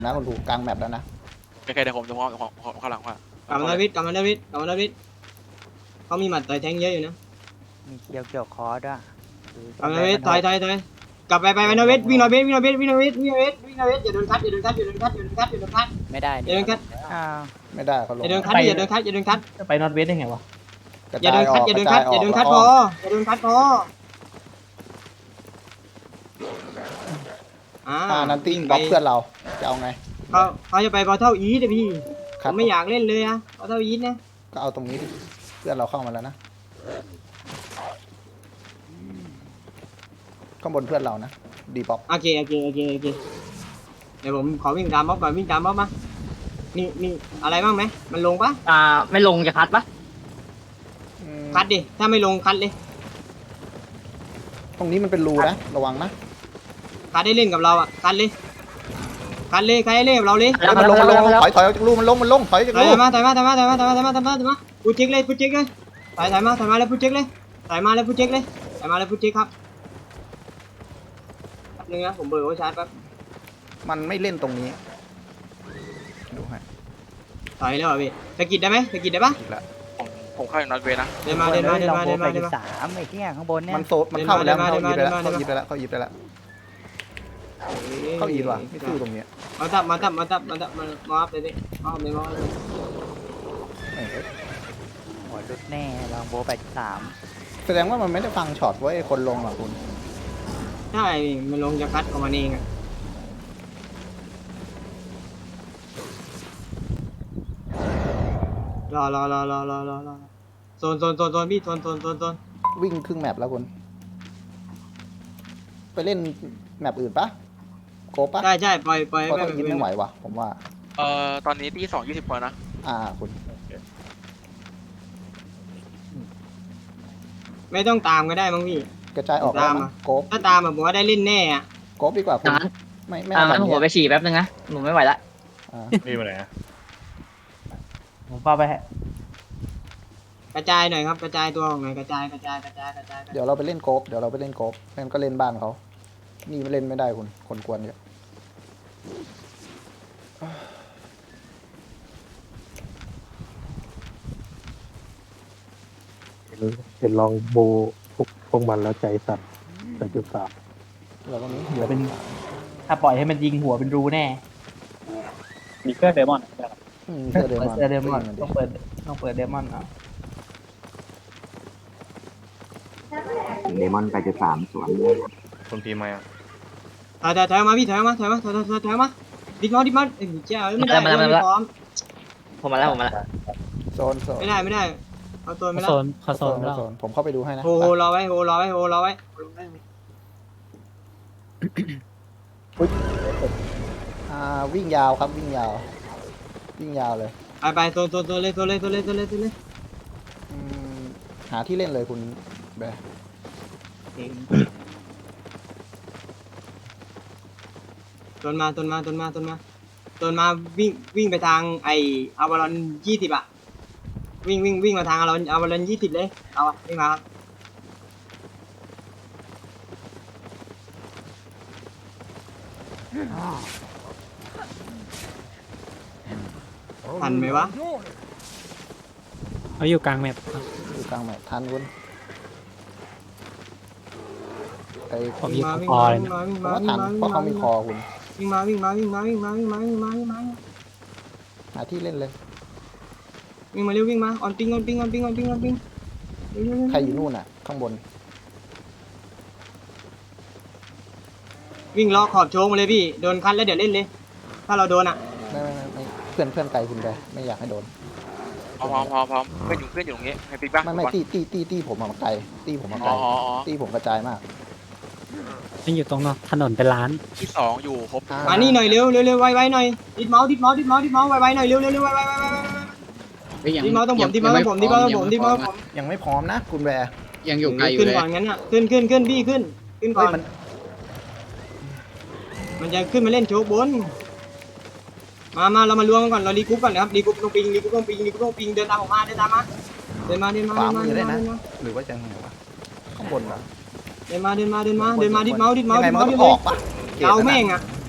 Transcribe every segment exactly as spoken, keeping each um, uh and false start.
นะคุณถูกกลางแมปแล้วนะโอเคเดี๋ยวผมจะพร้อมผมข้างหลังว่ากลับมาดาวิดกลับมาดาวิดกลับมาดาวิดเขามีหมัดต่อยแทงเยอะอยู่นะมีเคียวเกี่ยวคอด้วยกลับมาดาวิดถอยถอยถอยกลับไปไปไปดาวิดวิ่งดาวิดวิ่งดาวิดวิ่งดาวิดวิ่งดาวิดวิ่งดาวิดอย่าโดนคัดอย่าโดนคัดอย่าโดนคัดอย่าโดนคัดอย่าโดนคัดไม่ได้อย่าโดนคัดอ้าวไม่ได้เขาลอง ย่าโดนคัดอย่าโดนคัดอย่าโดนคัดจะไปนอตเวสได้ไงวะกระอย่าจาโดยนอคัอดกอย่าก โดระนจาคัยดออกอย่าโดนคัดพออย่าโดนคัดพออ่าอ่านันติ้งบล็อกเพื่อนเราจะเอาไงเขาเขาจะไปบอลเท่าอีเดี๋ยวพี่คผรับมไม่อยากเล่นเลยอะบอลเท่าอีนะก็เอาตรงนี้ดิเพื่อนเราเข้ามาแล้วนะข้างบนเพื่อนเรานะดีบล็อกโอเคโอเคโอเคโอเคเดี๋ยวผมขอวิ่งตามบล็อกก่อนวิ่งตามบล็อกมานี่นี่อะไรบ้างไหมมันลงปะอ่าไม่ลงจะคัดปะอืมคัดดิถ้าไม่ลงคัดเลยตรงนี้มันเป็นรูนะระวังนะคัดได้เล่นกับเราอ่ะคัดเลยคัดเลยคัดได้เล่นกับเราเลยเฮ้ยมันลงมันลงถอยถอยออกจากรูมันลงมันลงถอยออกจากถอยรูมาถอยมาถอยมาถอยมาถอยมาถอยมาถอยมาถอยมาพูดเช็คเลยพูดเช็คเลยถอยถอยมาถอยมาแล้วพูดเช็คเลยถอยมาแล้วพูดเช็คเลยถอยมาแล้วพูดเช็คครับแป๊บนึงนะผมเบิร์โอชาร์จแป๊บมันไม่เล่นตรงนี้ดูให้ถอยแล้วเหรอพี่สะกิดได้ไหมสะกิดได้ปะอีกแล้วผมผมเข้าอยู่นอตเวย์นะเดินมาเดินมาเดินมาเดินมาไปเดินมาสามไอ้เหี้ยข้างบนเนี่ยมันโซมันเข้าไปแล้วมันเข้าเดิอีนไปมาแล้วเดินมาเข้าอีไปแล้วเข้าอีไปแล้วเข้าอีว่ะไม่สู้ตรงเนี้ยมาตับมาตับมาตับมาตับมามาอัพเลยพี่มาอัพเลยมาอัพเลยเอ้ยหัวรุดแน่ลองโบไปสามแสดงว่ามันไม่ได้ฟังช็อตไว้คนลงอ่ะคุณใช่มันลงจะคัดของมันเองอะรอรอรอรอรอรอรอโซนโซนโซนโซนพี่โซนโซนโซนโซนวิ่งครึ่งแมปแล้วคุณไปเล่นแมปอื่นปะโกปะใช่ใช่ปล่อยปล่อยเพราะไปต้องกินไม่ไหววะผมว่าเอ่อตอนนี้ที่สองยี่สิบคนนะอ่าคุณไม่ต้องตามก็ได้มั้งพี่กระจายออกแล้วตามมั้อะงโกปถ้าตามแบบผมว่าได้เล่นแน่อะโกปดีกว่าคุณงั้นไม่ไม่อ่าเอาแบงั้บนหัวนี้ไปฉี่แป๊บนึงนะหนูไม่ไหวละอ่ามีมาไหนอะผมเฝ้าไปกระจายหน่อยครับกระจายตัวออกหน่อยกระจายกระจายกระจายกระจายกระจายเดี๋ยวเราไปเล่นโกปเดี๋ยวเราไปเล่นโกปนั่นก็เล่นบ้านเขานี่ไม่เล่นไม่ได้คุณคนกวนเยอะเห็นลองโบพวกพวกมันแล้วใจสั่นแต่จุดสามเราก็มีเดี๋ยวเป็น ถ้าปล่อยให้มันยิงหัวเป็นรูแน่มีเพื่อนเดมอนอืมเสื้อเดเปิมดอนเซอร์เดมอนยิงดิต้องเปิดต้องเปิดเดมอนเนาะเดมอนไปจุดสามสวนคนพีมาอ่ะถอยถอยถอยมาพี่ถอยมาถอยมาถอยถอยถอยถอยมาดิดมาดิดมาเอ้ยเจ้าไม่ได้ไม่พร้อมผมมาแล้วผมมาแล้วโซนโซนไม่ได้ไม่ได้เอาตัวไม่ได้โซนเขาโซนโซนผมเข้าไปดูให้นะโฮโฮรอไว้โฮรอไว้โฮรอไว้อ่าวิ่งยาวครับวิ่งยาว วิ่งยาวเลยไปไปโซนโซนโซนเลยโซนเลยโซนเลยโซนเลยโซนเลยอืมหาที่เล่นเลยคุณแบร์โซนมาโซนมาโซนมาโซนมาโซนมาวิ่งวิ่งไปทางไออาวารอนยี่สิบอะวิ่งวิ่งวิ่งมาทางอาวารอนอาวารอนยี่สิบเลยเอาอะวิ่งมาครับทันไหมวะเขาอยู่กลางแมปครับอยู่กลางแมปทันคุณไอ้ผมยิงมาเขาวิ่งคอมาเลยวิ่งนะมาวิ่งผมมาว่าวิ่งทันมาเพราะเขามีคอคุณวิ่งมาวิ่งมาวิ่งมาวิ่งมาวิ่งมาวิ่งมาวิ่งมาหาที่เล่นเลยวิ่งมาเร็ววิ่งมาออนปิ้งออนปิ้งออนปิ้งออนปิ้งออนปิ้งใครอยู่นู่นอ่ะ ข้างบนวิ่งล้อขอบโชว์มาเลยพี่โดนคันแล้วเดี๋ยวเล่นเลย ถ้าเราโดนอ่ะไม่ไม่ไม่ไม่เพื่อนเพื่อนไกลคุณแบร์ไม่อยากให้โดนพร้อมพร้อมพร้อมพร้อมเพื่อนอยู่เพื่อนอยู่ตรงนี้ให้ปิ๊กบ้างไม่ไม่ตีตีตีตีผมมาไกลตีผมมาไกอ๋ลออ๋ออ๋อตีผมกระจายมากนี่อยู่ตรงเนาะถนนเป็นร้านที่สองอยู่ครบอ่มานี่หน่อยเร็วเร็วเร็วไวไวหน่อยดิดเมาส์ดิดเมาส์ดิดเมาส์ดิดเมาส์ไวไวหน่อยเร็วเร็วเร็วไวไวไวไวดิดเมาส์ต้องผมดิดเมาส์ต้องผมดิดเมาส์ต้องผมดิดเมาส์ต้องผมยังไม่พร้อมนะ คุณแบร์ยังอยู่ไกลอยู่ขึ้นเลยก่อนงั้นอ่ะขึ้นขึ้นขึ้นพี่ขึ้นขึ้นก่เฮ้อย นมันมันจะขึ้นมาเล่นโชว์บนมามาเรามารวมกันก่อนเรารีกรุ๊ปก่อนนะครับรีกรุ๊ปลงปิงรีกรุ๊ปลงปิงรีกรุ๊ปลงปิงเดินตามผมมาเดินตามมาเดินมาเดินมาขวาเดินมามือเดิได้นมานะเดินมาหรือว่าจะไงวะข้างบนเหรอเดินมาเดินมาเดินมาเดินมาดิดเมาส์ดิดเมาส์ยังไงดิดมันเมาส์ก็ดิดต้องอเมาส์อกปะเอาแม่งอ่ะ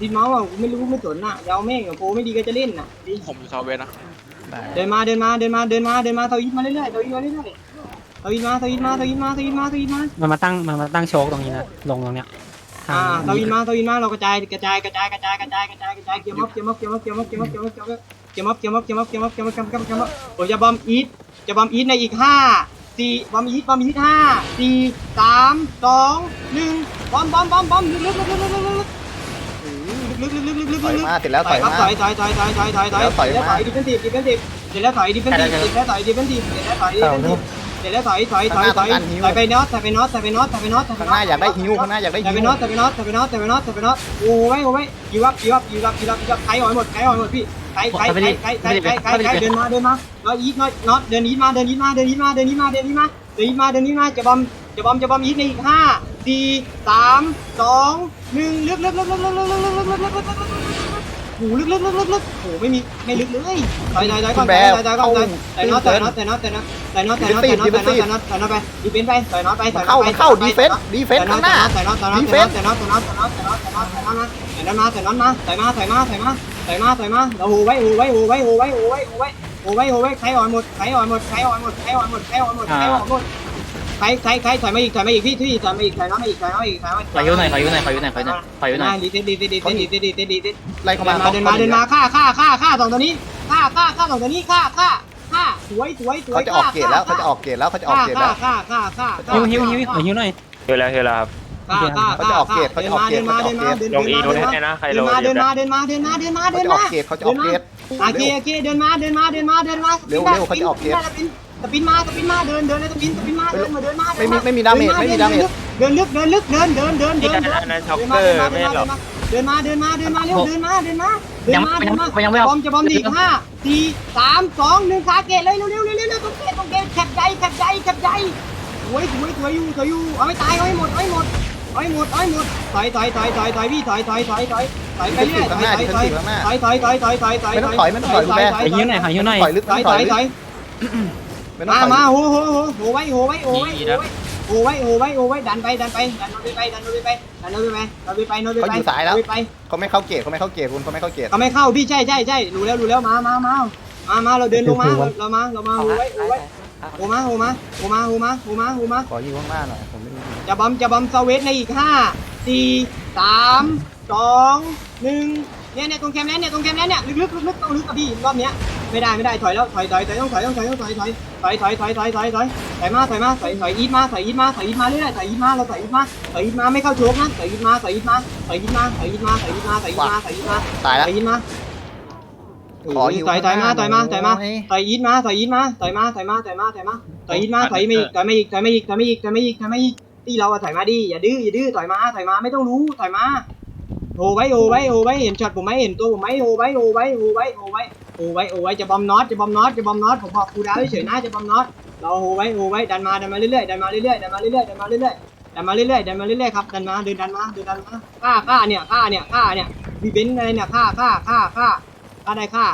ติดเมาส์อ่ะไม่รู้ไม่สนอ่ะยาวแม่งกับโปไม่ดีก็จะเล่นอ่ะดิผมอยู่ซาวเวสนะเดินมาเดินมาเดินมาเดินมาเดินมาเตาอิดมาเรื่อยๆเตาอิดมาเรื่อยๆเตาอิดมาเตาอิดมาเตาอิดมาเตาอิดมาเตาอิดมามันมาตั้งมันมาตั้งโชกตรงนี้นะลงตรงเนี้ยทางอ่าเตาอินมาเตาอินมาเรากระจายกระจายกระจายกระจายกระจายกระจายกระจายเกี่ยวม็อบเกี่ยวม็อบเกี่ยวม็อบเกี่ยวม็อบเกี่ยวม็อบเกี่ยวม็อบเกี่ยวม็อบเกี่ยวม็อบเกี่ยวม็อบเกี่ยวม็อบเกี่ยวม็อบเกี่ยวม็อบเกี่ยวม็อบเกี่ยวม็อบเกี่ยวม็อบผมจะบอมอีทจะบอมอีทในอีกห้าสี่บอมอีทบอมอีทห้าสี่สามสองหนึ่งบอมบอมบอมบอมลึกลึกลึกลึกลึกลึกลึกลึกลึกลึกลึกถอยลึกมาเสร็จแล้วถอยครับมาถอยถอยถอยถอยถอยถอยถอยแล้วถอยแล้วมาถอยดิเฟนซีฟดิเฟนซีฟเสร็จแล้วถอยดิเฟนซีฟเสร็จแล้วถอยดิเฟนซีฟเสร็จแล้วถอยดิเฟนซีฟเสร็จแล้วถอยถอยถอยถอยถอยไปน็อตถอยไปน็อตถอยไปน็อตถอยไปน็อตถอยไปข้างน็หอตน้าอยากได้ฮิวข้างหน้าอยากได้แต่ฮิไปวน็อตแต่ไปน็อตแต่ไปน็อตแต่ไปน็อตแต่ไปน็อตโอ้ยโอ้ยยูรับยูรับยูรับยูรับยูรับใครอ่อยหมดใครอ่อยหมดพี่ใครใครใครใครใครใครใครใครเดินมาเดินมาแล้วอีทน็อตน็อตเดินอีทมาเดินอีทมาเดินอีทมาเดินอีทมาเดินอีทมาเดินอีทมาเดินอีทมาจะบอมจะบอมจะบอมอีทในอีกห้าสี่สามสองหนึ่งลึกลึกลึกลึกลึกลึกลึกลึกลึกลึกลึกลึกโอ้ลึกลึกลึกลึกลึกโอ้ไม่มีไม่ลึกเลยถอยถอยถอยก่อนถอยถอยถอยก่อนแต่น็อตแต่น็อตแต่น็อตแต่น็อตแต่น็อตแต่น็อตแต่น็อตแต่น็อตแต่น็อตแต่น็อตไปดีเฟนไปต่อยน็อตไปต่อยน็อตไปเข้าเข้าดีเฟนส์ดีเฟนส์ข้างหน้าแต่น็อตแต่น็อตแต่น็อตแต่น็อตแต่น็อตแต่น็อตแต่น็อตแต่น็อตแต่น็อตแต่น็อตมาแต่น็อตมาแต่น็อตมาแต่น็อตมาแต่มาแต่มาเราโหไว้โหไว้โหไว้โหไว้โหไว้โหไว้โหไว้โหไว้ใครอ่อนหมดใครอ่อนหมดใครอ่อนหมดใครอ่อนหมดใครอ่อนหมดใครอ่อนหมดใครใครใครถอยมาอีกถอยมาอีกพี่พี่ถอยมาอีกถอยมาอีกถอยมาอีกถอยมาอีกขอยุหน่อยขอยุหน่อยขอยุหน่อยขอยุหน่อยขอยุหน่อยดีเด็ดดีเด็ดดีเด็ดดีเด็ดดีเด็ดดีเด็ดไล่เข้ามาเดินมาเดินมาฆ่าฆ่าฆ่าฆ่าสองตัวนี้ฆ่าฆ่าฆ่าสองตัวนี้ฆ่าฆ่าฆ่าสวยสวยสวยเขาจะออกเกตแล้วเขาจะออกเกตแล้วเขาจะออกเกตแล้วฆ่าฆ่าฆ่าฆ่าฮิวฮิวฮิวขอฮิวหน่อยเฮลแล้วเฮลแล้วครับฆ่าฆ่าเขาจะออกเกตเขาจะออกเกตเขาจะออกเกตเดินมาเดินมาเดินมาเดินมาเดินมาเดินมาเดินมาเดินมาเขาเดินจะออมากเกตเขาจะออกเกตโอเคโอเคเดินมาเดินมาเดินมาเดินมาสปินมาสปินมาเดินเดินเลยสปินสปินมาเดินมาเดินมาไม่มีไม่มีดาเมจไม่มีดาเมจเดินลึกเดินลึกเดินเดินเดินเดินเดินอันนั้นช็อกเดินเกมาอเดินร์มาไม่เดินหรมาอกเดินมาเดินมาเดินมาเร็วเดินมาเดินมาเดินมาเดินมาบอมจะบอมดีห้าสี่สามสองหนึ่งคาเกตเลยเร็วเร็วเร็วเร็วเร็วตรงเกตตรงเกตแคบใจแคบใจแคบใจสวยสวยสวยอยู่สวยอยู่เอาไม่ตายเอาให้หมดเอาให้หมดเอาให้หมดเอาให้หมดถอยถอยถอยถอยถอยพี่ถอยถอยถอยถอยถอยไปเรื่อยถอยถอยถอยถอยถอยถอยถอยถอยถอยไม่ต้องถอยไม่ต้องถอยคุณแม่ขอฮิวหน่อยขอฮิวหน่อยถอยลึกถอยถถออย ยลึกถอยไม่ต้องมาถอยมาโหโหโหโหไว้โหไว้โหไว้โหไว้โหไว้โหไว้โหไว้ดันไปดันไปดันโนไปดันโนไปดันโนไปดันโนไปโนไปเขาอยู่สายแล้วไปเขาไม่เข้าเกตเขาไม่เข้าเกตคุณเขาไม่เข้าเกตเขาไม่เข้าพี่ใช่ใช่ใช่รู้แล้วรู้แล้วมามามามามาเราเดินลงมาเรามาเรามาโหไว้โหไว้โหมาโหมาโหมาโหมาโหมาโหมาขออยู่ข้างหน้าหน่อยผมไม่มีจะบอมจะบอมสวิตในอีกห้าสี่สามสองหนึ่งเนี่ยเนี่ยตรงแคมป์แล้วเนี่ยตรงแคมป์แล้วเนี่ยลึกๆลึกๆต้องลึกกับพี่รอบเนี้ยไม่ได้ไม่ได้ถอยแล้วถอยถอยถอยต้องถอยต้องถอยต้องถอยถอยถอยถอยถอยถอยถอยถอยถอยมาถอยมาถอยถอยอีทมาถอยอีทมาถอยอีทมาเรื่อยๆถอยอีทมาเราถอยอีทมาถอยอีทมาไม่เข้าโชกนะถอยอีทมาถอยอีทมาถอยอีทมาถอยอีทมาถอยอีทมาถอยอีทมาถอยอีทมาตายถแล้วอยอีทมาขออยู่ถอยถอยมาถอยมาถอยมาโอ้ยถอยอีทมาถอยอีทมาถอยมาถอยมาถอยมาถอยมาถอยอีทมาถอยมาอีกถอยมาอีกถอยมาอีกถอยมาอีกถอยมาอีกถอยมาอีกที่เราอะถอยมาดิอย่าดื้ออย่าดื้อถอยมาถอยมาไม่ต้องรู้ถอยมาโหไว้โหไว้โหไว้เห็นช็อตผมไหมเห็นตัวผมไหมโหไว้โหไว้โหไว้โหไว้โหไว้โหไว้จะบอมน็อตจะบอมน็อตจะบอมน็อตผมบอกครูดาวเฉยๆนะจะบอมน็อตเราโหไว้โหไว้ดันมาดันมาเรื่อยๆดันมาเรื่อยๆดันมาเรื่อยๆดันมาเรื่อยๆดันมาเรื่อยๆดันมาเรื่อยๆครับดันมาเดินดันมาเดินดันมาฆ่าฆ่าเนี่ยฆ่าเนี่ยฆ่าเนี่ยวีเบนอะไรเนี่ยฆ่าฆ่าฆ่าฆ่าฆ่าได้ฆ่า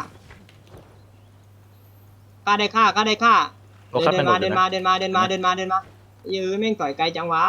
ฆ่าได้ฆ่าฆ่าได้ฆ่าเดินมาเดินมาเดินมาเดินมาเดินมาเดินมายื้อแม่งต่อยไกลจังวะ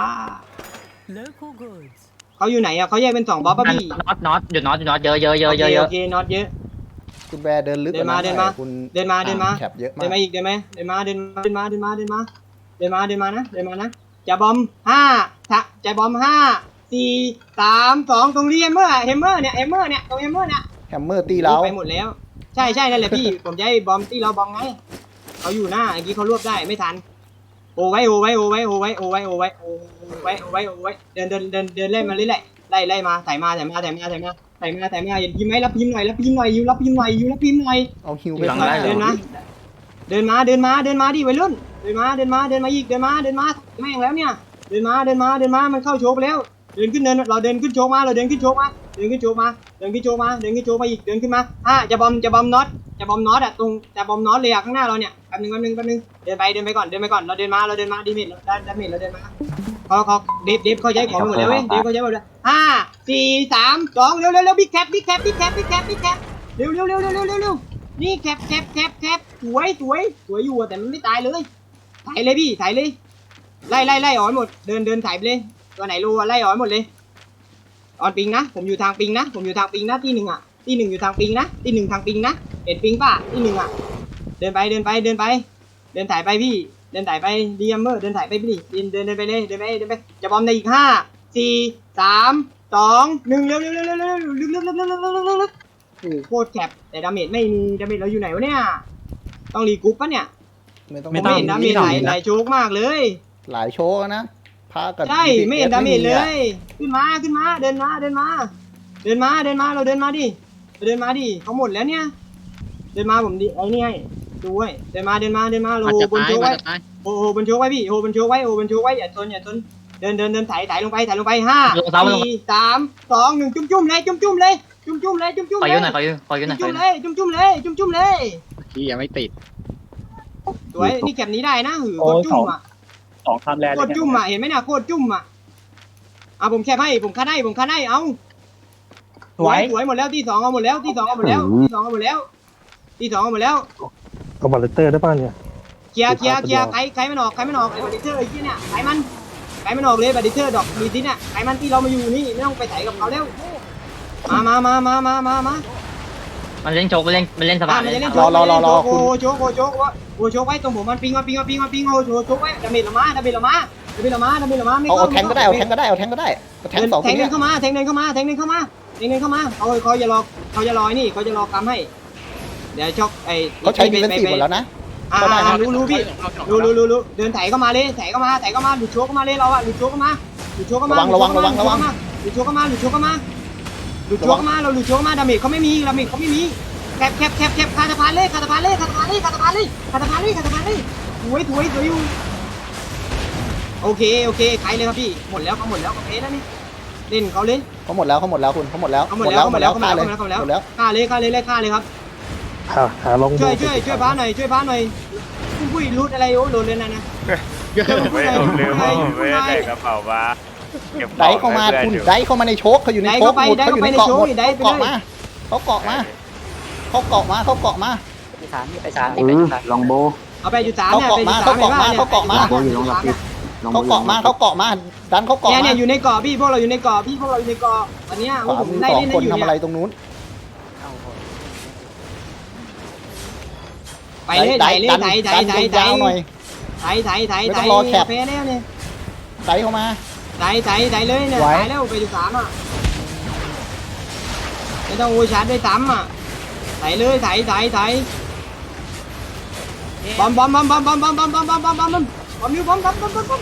เขาอยู่ไหนอะเขาแยกเป็นสองบอสป่ะพี่น็อตน็อตหยุดน็อตหยุดน็อตเยอะเยอะเยอะเยอะเยโออะเคน็อตเยอะคุณแบร์เดินลึกเดินมาเดินมาคุณเดินมาเดินมาแคปเยอะมาเดิกนมาอีกเดินมาเดินมาเดินมาเดินมาเดินมาเดินมาเดินมาเดินมานะเดินมานะจะบอมห้าจะบอมห้าสี่สามสองตรงนี้เฮมเมอร์เฮมเมอร์เนี่ยเฮมเมอร์เนี่ยตรงเฮมเมอร์เนี่ยแฮมเมอร์ตีเราไปหมดแล้วใช่ใช่นั่นแหละพี่ผมจะให้บอมตีเราบอมไงเขาอยู่หน้าเมื่อกี้เขารวบได้ไม่ทันโอ้ไว้โอ้ไว้โอ้ไว้โอ้ไว้โอ้ไว้โอ้ไว้โอ้ไว้โอ้ไว้โอ้ไว้เดินเดินเดินเดินเล่นมาเรื่อยๆไล่ไล่มาถ่ายมาถ่ายมาถ่ายมาถ่ายมาถ่ายมาถ่ายมาเห็นพิมพ์ไหมรับพิมพ์หน่อยรับพิมพ์หน่อยยูรับพิมพ์หน่อยยูรับพิมพ์หน่อยเอาฮิวไปเดินมาเดินมาเดินมาเดินมาเดินมาดิวัยรุ่นเดินมาเดินมาเดินมาอีกเดินมาเดินมาแม่งแล้วเนี่ยเดินมาเดินมาเดินมามันเข้าโชว์ไปแล้วเดินขึ้นเดินเราเดินขึ้นโชว์มาเราเดินขึ้นโชว์มาเดินขึ้นโชว์มาเดินขึ้นโชว์มาเดินขึ้นโชว์มาอีกเดินขึ้นมาอ่ะจะบอมจะบอมน็อตจะบอมน็อตอะตรงจะบอมน็อตเลยอะข้างหน้าเราเนี่ยแป๊บนึงแป๊บนึงแป๊บนึงเดินไปเดินไปก่อนเดินไปก่อนเราเดินมาเราเดินมาดีเมทเราได้ดาเมจเราเดินมาเขาเขาเดฟเดฟเขาใช้ของหมดแล้วเว้ยเดฟเขาใช้หมดแล้วห้าสี่สามสองเร็วเร็วเร็วบิ๊กแคปบิ๊กแคปบิ๊กแคปบิ๊กแคปบิ๊กแคปเร็วเร็วเร็วเร็วเร็วเร็วเร็วนี่แคปแคปแคปแคปสวยสวยสวยอยู่แต่มันไม่ตายเลยถ่ายเลยพี่ถ่ายเลยไล่ไล่ไล่ออกหมดเดินเดินถ่ายไปเลยตัวไหนรู้ไล่ออกหมดเลยออนปิงนะผมอยู่ทางปิงนะผมอยู่ทางปิงนะที่หนึ่งอ่ะที่หนึ่งอยู่ทางปิงนะที่หนึ่งทางปิงนะเห็นปิงป่ะที่หนึ่งอ่ะเดินไปเดินไปเดินไปเดินถ่ายไปพี่เดินถ่ายไปดีเอ็มเมอร์เดินถ่ายไปพี่เดินเดินเดินไปเลยเดินไปเดินไปจะบอมในอีกห้าสี่สามสองหนึ่งเร็วเร็วเร็วเร็วเร็วเร็วเร็วเร็วเร็วเร็วเร็วเร็วเร็วเร็วเร็วโอ้โคตรแคบแต่ดาเมจไม่มีดาเมจเราอยู่ไหนวะเนี่ยต้องรีกรุ๊ปปะเนี่ยไม่ต้องผมไม่เห็นดาเมจไหลไหลโชกมากเลยหลายโชว์นะพากับใช่ไม่เห็นดาเมจเลย ขึ้นมาขึ้นมาเดินมาเดินมา เดินมาเดินมาเราเดินมาดิเราเดินมาดิเขาหมดแล้วเนี่ย เดินมาผมดิไอ้นี่ไงดูไว้เดินมาเดินมาเดินมาเรามันโหจะบนตายโชว์มันไว้จะตายโอ้โหบนโชว์ไว้พี่โหบนโชว์ไว้โอ้บนโชว์ไว้อย่าชนอย่าชนเดินเดินเดินถ่ายถ่ายลงไปถ่ายลงไปห้าสี่สามสองหนึ่งจุ่มจุ่มเลยจุ่มจุ่มเลยจุ่มจุ่มเลยจุ่มจุ่มขอเลยืยนหน่อยขอยืนขอยืนหน่อยขอจุ่ยืมนหเลน่อยยจุ่มจุ่มเลยจุ่มจุ่มเลยที่ยังไม่ติดสวยนี่แก็บนี้ได้นะหือโคตรจุ่มอ่ะสองคำแรกโคตรจุ่มอ่ะเห็นไหมเนี่ยโคตรจุ่มอ่ะอ่ะผมแคบให้ผมคัดให้ผมคัดให้เอาสวยสวยหมดแล้วที่สองเอาหมดแล้วที่สองเอาหมดแล้วที่สองเอาหมดแล้วที่สองเอาหมดแล้วเอาบัลเลเตอร์ได้ป่ะเนี่ยเคลียร์เคลียร์เคลียร์ใครใครมันออกใครมันออกไอ้บัตดิเตอร์ไอ้ที่เนี่ยใครมันใครมันออกเลยบัตดิเตอร์ดอกมีซิเนี่ยใครมันที่เรามาอยู่นี่ไม่ต้องไปไถกับเขาแล้วมามามามามามามามันเล่นโชกมันเล่นมันเล่นสบาอ่ะยมันเลจะยเล่นโชว์โอ้โหโชว์โอ้โหโชว์โอ้โหโชว์ไว้ตรงผมมันปิงมันปิงมันปิงมันปิงโอ้โหโชว์โชว์ไว้ดาเมจละมาดาเมจละมาดาเมจละมาดาเมจละมาไม่เอาเข้าเอาแทงก็ได้เอาแทงก็ได้เอาแทงก็ได้แทงสองแทคนงเดิเนี้ยนเข้ามาแทงเดินเข้ามาแทงเดินเข้ามาแทงเดินเข้ามาเขาเขาจะรอเขาจะรอนี่เขาจะรอกำให้เดี๋ยวช็อกไอ้เขาใช้ดีเฟนซีฟหมดแล้วนะอ่ารู้รู้พี่รู้รู้รู้รู้เดินไถเข้ามาเลยไถเข้ามาไถเข้ามาหลุดโชว์เข้ามาเลยเราอะหลุดโชว์เข้ามาหลุดโชว์เข้ามาระวังระวังระวังระวังหลุดโชว์เข้ามาหลุดโชว์เข้ามาหลุดโชว์เข้ามาเราหลุดโชว์เข้ามาดาเมจเขาไม่มีดาเมจเขาไม่มีแคบแคบแคบแคบคาตาพานเลยคาตาพานเลยคาตาพานเลยคาตาพานเลยคาตาพานเลยคาตาพานเลยถวยถวยถวยอยู่โอเคโอเคใครเลยครับพี่หมดแล้วเขาหมดแล้วเขาเพแล้วนี่เล่นเขาเล่นเขาหมดแล้วเขาหมดแล้วคุณเขาหมดแล้วเขาหมดแล้วเขาหมดแล้วเขาหมดฆ่าแล้วเลยเขาหมดแล้วหมดแล้วฆ่าเลยฆ่าเลยไล่ฆ่าเลยครับหาหาลองโบช่วยช่วยช่วยบ้านหน่อยช่วยบ้านหน่อยปุ้ยปุ้ยรูดอะไรโอ้โหลดเลยนะนะไม่ผมลืมว่าผมไม่ได้ใส่กระเป๋ามาเก็บขไดองเข้ามาให้คุณเพื่อนอยู่ไดเข้ามาในโชกเขาอยู่ในได้โชกเข้าไปหมดได้เขาอเข้ายู่ไปในในเกาะโชหมว์ดได้ไปเขาเลเกาะยมาเขาเกาะมาเขาเกาะมาเขาเกาะมาไปสามนี่ไปสามเอนี่ไปอสามลองโบเอาไปจุดสามเขาเนี่ยเกาะไปมาจุดเขาสามเกาะมาเขาเกาะมาโบอยู่ลงรับติดลองโบเขาเกาะมาเขาเกาะมาดันเขาเกาะเนี่ยมาเนี่ยอยู่ในเกาะพี่พวกเราอยู่ในเกาะพี่พวกเราอยู่ในเกาะตอนเนี้ยขวาผมมือไล่สองเล่นคนอยู่ทำอะไรเนี่ยตรงนู้นไปเลยไถเลยดันไถไถดันไถไถยาวๆหน่อยไถไถไถไม่ไถต้องรอแคปแพ้แล้วเนี่ยไดเข้ามาไถไถไถเลยเนี่ยไหวไถแล้วไปจุดสามอ่ะไม่ต้องโอชาร์จด้วยซ้ำอ่ะไถเลยไถไถไถบอมบอมบอมบอมบอมบอมบอมบอมบอมบอมบอมบอมบอมนิ้วบอมบอมบอมบอมบอม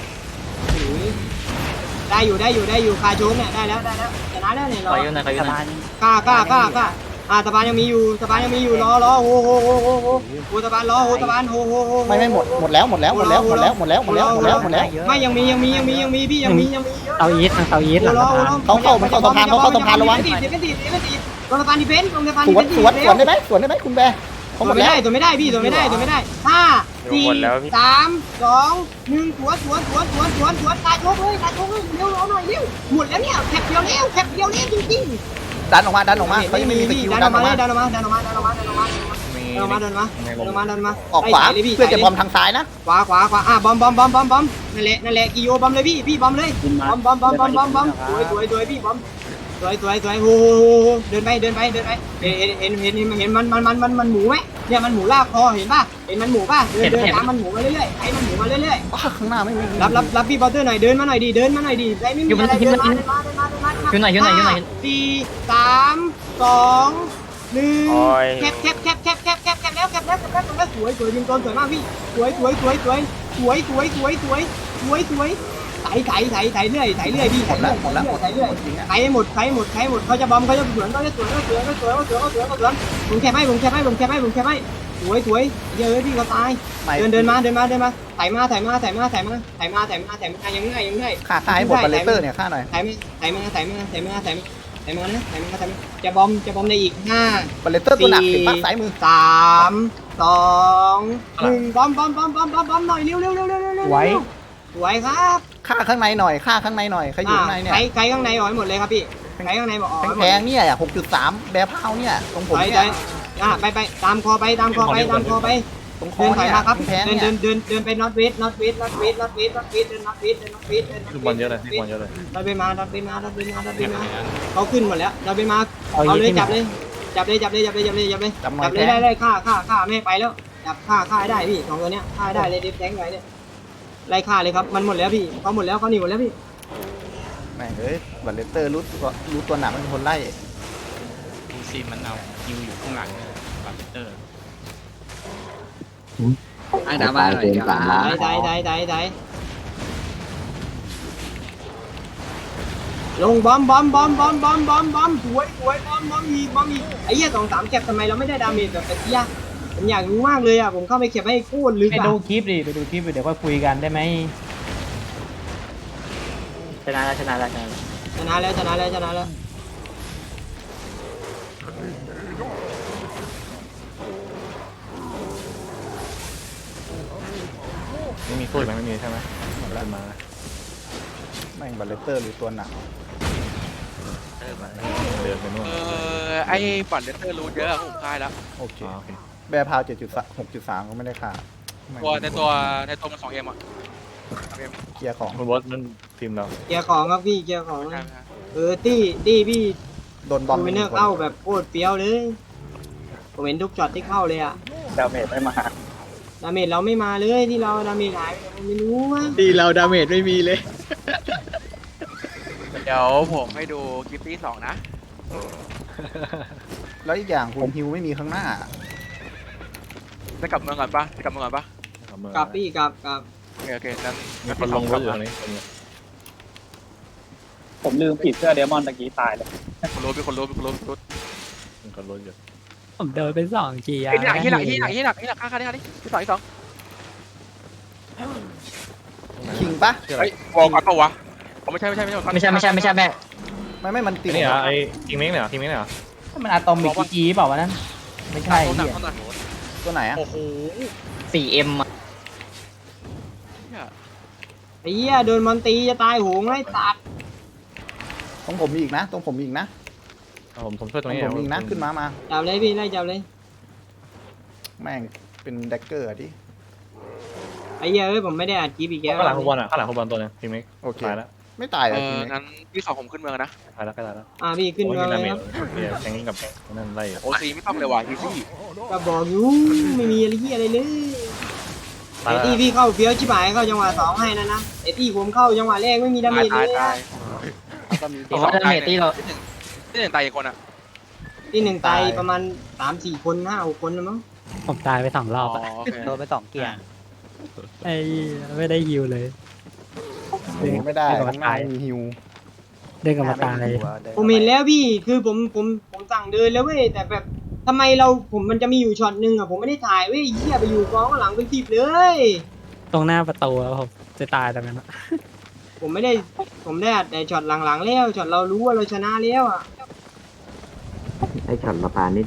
ได้อยู่ได้อยู่ได้อยู่คาโจนเนี่ยได้แล้วได้แล้วชนะแล้วเนี่ยขรออยืนหน่อยขอยืสะนหน่พาอยนกล้ากล้ากล้ากล้าอ่าสะพานยังมีอยู่สะพานยังมีอยู่รอรอโอ้โหโอ้โหโอ้โหโอ้สะพานรอโอ้สะพานโอ้โหโอ้โหไม่ไม่หมดหมดแล้วหมดแล้วหมดแล้วหมดแล้วหมดแล้วหมดแล้วหมดแล้วหมดแล้วไม่ยังมียังมียังมียังมีพี่ยังมียังมีเยอะเตาอีททางเตาอีทหลังสะพานเขาเข้ามันเข้าสะพานเขาเข้าสะพานระวังเดี๋ยวเป็นตีเดี๋ยวเป็นตีตรงสะพานดิเฟนต์ตรงสะพานสดิวนเฟนต์สวนสวนได้ไหมสวนได้ไหมคุณแบร์เขาตัวหมดไม่แล้วได้ตัวไม่ได้พี่ตัวไม่ได้ตัวไม่ได้ห้าสี่สามสองหนึ่งสวนสวนสวนสวนสวนสวนตายโชกเลยตายโชกเลยเร็วรอหน่อยเร็วหมดแล้วเนี่ยแคปเดียวแล้วแคปเดียวแล้วจริงๆดันออกมาดันออกมาเขายังไม่มีสกิลดันดัอน อกออกมามาดันออกมาดันออกมาดันออกมาดันออกมาดันออกมาดันออกมาดันออกมาดันออกมาออกขวาเพื่อจะบอมทางซ้ายนะขวาขวาขวาอ่ะบอมบอมบอมบอมบอมนั่นแหละนั่นแหละกิโยบอมเลยพี่พี่บอมเลยบอมบอมบอมบอมบอมบอมสวยสวยสวยพี่บอมสวยสวยสวยโอ้โหเดินไปเดินไปเดินไปเห็นเห็นเห็นเห็นเห็นมันมันมันมันมันหมูไหมเนี่ยมันหมูลากคอเห็นป่ะเห็นมันหมูป่ะเดินเดินตามมันหมูมาเรื่อยๆไอ้มันหมูมาเรื่อยอ้าข้างหน้าไม่มีๆรับรับรับพี่บอลเตอร์หน่อยเดินมาหน่อยดิเดินมาหน่อยดิไรไม่มีอะไรเดินมาเดินมาเดินมาเดินมายืนหน่อยยืนหน่อยยืนหน่อยสี่สามสองหนึ่งโอ้ยแคปแคปแคปแคปแคปแคปแคปแล้วแคปแล้วแคปแล้วแคปแล้วสวยสวยยิงโดนสวยมากพี่สวยสวยสวยสวยสวยสวยสวยสวยสวยสวยไถไถไถไถเรื่อยไถเรื่อยพี่หมดแล้วหมดแล้วหมดไถเรื่อยจริงอ่ะไถให้หมดไถให้หมดไถให้หมดเขาจะบอมเขาจะสวนเขาจะสวนเขาสวนเขาสวนเขาสวนเขาสวนเขาสวนผมแคปให้ผมแคปให้ผมแคปให้ผมแคปให้สวยสวยเยอะพี่เขาตายเดินเดินมาเดินมาเดินมาไถมาไถมาไถมาไถมาไถมาไถมาไถมายังง่ายยังง่ายค่าค่าให้หมดบัลเลเตอร์เนี่ยค่าหน่อยไถมาไถมาไถมาไถมาไถมาไถมานะไถมาไถมาจะบอมจะบอมในอีกห้าบัลเลเตอร์ตัวหนักเห็นปะซ้ายมือสามสองหนึ่งบอมบอมบอมบอมบอมบอมหน่อยเร็วเร็วเร็วเร็วเร็วไว้สวยครับค่าข้างในหน่อยค่าข้างในหน่อยใครอยู่ข้างในเนี่ยใครใครข้างในออกให้หมดเลยครับพี่ใครข้างในบอกออกให้หมแพดงๆเนี่ยหกจุดสามแบร์พาวเนี่ยตรงผมไปเนี่ไปยอ่ะไปไปตามคอไปตามคอไปตามคอไปตรงคอเดินถอยมาครับแพ้เดินเนี่ยเดินเดินเดินไปนอตเวสนอตเวสนอตเวสนอตเวสนอตเวสเดินนอตเวสเดินนอตเวสเดินนอตเวสลูกบอลเยอะเลยลูกบอลเยอะเลยดันไปมาดันไปมาดันไปมาดันไปมาเขาขึ้นหมดแล้วดันไปมาเอาเอาเลยที่จับเลยจับเลยจับเลยจับเลยจับเลยจับเลยจับหน่อจัยบเลยแพ้ได้ได้ฆ่าฆ่าฆ่าไม่ไปแล้วจับฆ่าฆ่าให้ได้พี่สองตัวเนี้ยฆ่าให้ได้เลยเดฟแทงไว้เนี่ยไล่ฆ่าเลยครับมันหมดแล้วพี่เขาหมดแล้วเขาหนีหมดแล้วพี่แม่งเอ้ยบัตเลสเตอร์รู้ตัวรู้ตัวหนักเป็นคนไล่ดูซีมันเอาคิวอยู่ข้างหลังบัตเตอร์ไอ้ดาบ้าหน่อยดีกว่าได้ได้ได้ได้ได้ลงบอมบอมบอมบอมบอมบอมบอมสวยสวยบอมบอมอีกบอมอีกไอ้เหี้ยสองสามเก็บทำไมเราไม่ได้ดาเมจแบบตะกี้อะผมอยากรู้มากเลยอะผมเข้าไปเก็บให้โคตรลึกไปอะดูคลิปดิไปดูคลิปเดี๋ยวค่อยคุยกันได้ไหมชนะแล้วชนะแล้วชนะแล้วชนะแล้วชนะแล้วชนะแล้วไม่มีสู้ไหมไม่มีใช่ไหมหมดแล้วมาแม่งบัตเลสเตอร์รู้ตัวหนักเดินไปนู่นเออไอ้บัตรเลสเตอร์รู้เยอะผมค่ายแล้วโอเคอ๋อโอเคแบร์พาวเจ็ดจุดหกจุดสามก็ไม่ได้ขาดแม่งตัวในตัวในตัวมันสองเอ็มอ่ะเอ็มเกียร์ของคุณบอสนั่นทีมเราเกียร์ของครับพี่เกียร์ของใช่ไหมครับเออตี้ตี้พี่โดนบอมดูเนอร์เข้าแบบโคตรเปรี้ยวเลยผมเห็นทุกช็อตที่เข้าเลยอะดาเมจไม่มาดาเมจเราไม่มาเลยที่เราดาเมจหายไปเราไม่รู้ว่าดีเราดาเมจไม่มีเลยเดี๋ยวผมให้ดูคลิปที่สองนะแล้วอีกอย่างคุณฮิวไม่มีข้างหน้าจะกลับเมืองก่อนปะจะกลับเมืองก่อนปะกลับพี่กลับกลับโอเคโอเคนั้นมีคนลงรถอยู่ตรงนี้ผมลืมปิดเสื้อเดมอนตะกี้ตายเลยคนรู้มีคนรู้มีคนรู้มีคนรู้มีคนรถอยู่ผมเดินไปสองจีอะไอ้ที่หนักที่หนักที่หนักที่หนักที่หนักค่าค่าที่ค่าที่ที่สองที่สองคิงปะเฮ้ยวอลก่อนปะวะผมไม่ใช่ไม่ใช่ไม่ใช่ไม่ใช่ไม่ใช่ไม่ใช่แม่ไม่ไม่มันติดนี่เหรอไอ้ทีมเม้งเนี่ยทีมเม้งเนี่ยมันอะตอมิกจีเปล่าวะนั้นไม่ใช่ตัวหนักเหี้ยตัวหนักตัวไหนอะโอ้โหสี่เอ็มไอ้เหี้ยโดนมอนตีจะตายโหงไล่ตัดตรงผมมีอีกนะ ตรงผมมีอีกนะผมผมช่วยตตรรง งนี้ผมมีอีกนะ ขึ้นมามาจับเลยพี่ไล่จับเลยแม่งเป็นแดกเกอร์อะดิไอ้เหี้ยเอ้ยผมไม่ได้อัดคลิปอีกแล้วข้างหลังคุณบอลอ่ะข้างหลังคุณบอลตัวนึงทีมเม้งโอเคตายแล้วไม่ตายเลเอยทีอนี้งั้นที่สองผมขึ้นเมืองนะตายแล้วก็ตายแล้วอ่าพี่ขึ้นโอ้ยมามีเลดาย เมคจรับเนี่ยแทงกิ้งกับแทงนั่นไล่โอซีไม่ต้องเลยว่ะอีซี่ก็บอกอยู่ไม่มีอะไรเหี้ยอะไรเลยตายไอ้แล้วตี้พี่เข้าเฟี้ยวชิบหายเข้าจังหวะสองให้นะนะไอ้ตี้ผมเข้าจังหวะแรกไม่มีดาเมตายจเลตายยตายเพราะว่าดาเมจที่เราที่หนึ่งตายอีกคนอ่ะที่หนึ่งตายประมาณสามสี่คนห้าหกคนแล้วมั้งผมตายไปสองรอ๋ออบอะโอเคโดนไปสองเกียร์ไอ้ไม่ได้ฮิวเลยเด้งไม่ได้เด้งกับข้างหน้าตายไม่มีฮิวเด้งกับมาตายผมเห็นแล้วพี่คือผมผมผมสั่งเดินแล้วเว้ยแต่แบบทำไมเราผมมันจะมีอยู่ช็อตหนึ่งอ่ะผมไม่ได้ถ่ายเว้ยเหี้ยไปอยู่กองข้างหลังเป็นสิบเลยตรงหน้าประตูอะผมจะตายตรงนั้นอะผมไม่ได้ผมได้อัดแต่ช็อตหลังๆแล้วช็อตเรารู้ว่าเราชนะแล้วอ่ะไอ้ช็อตมาปานนี่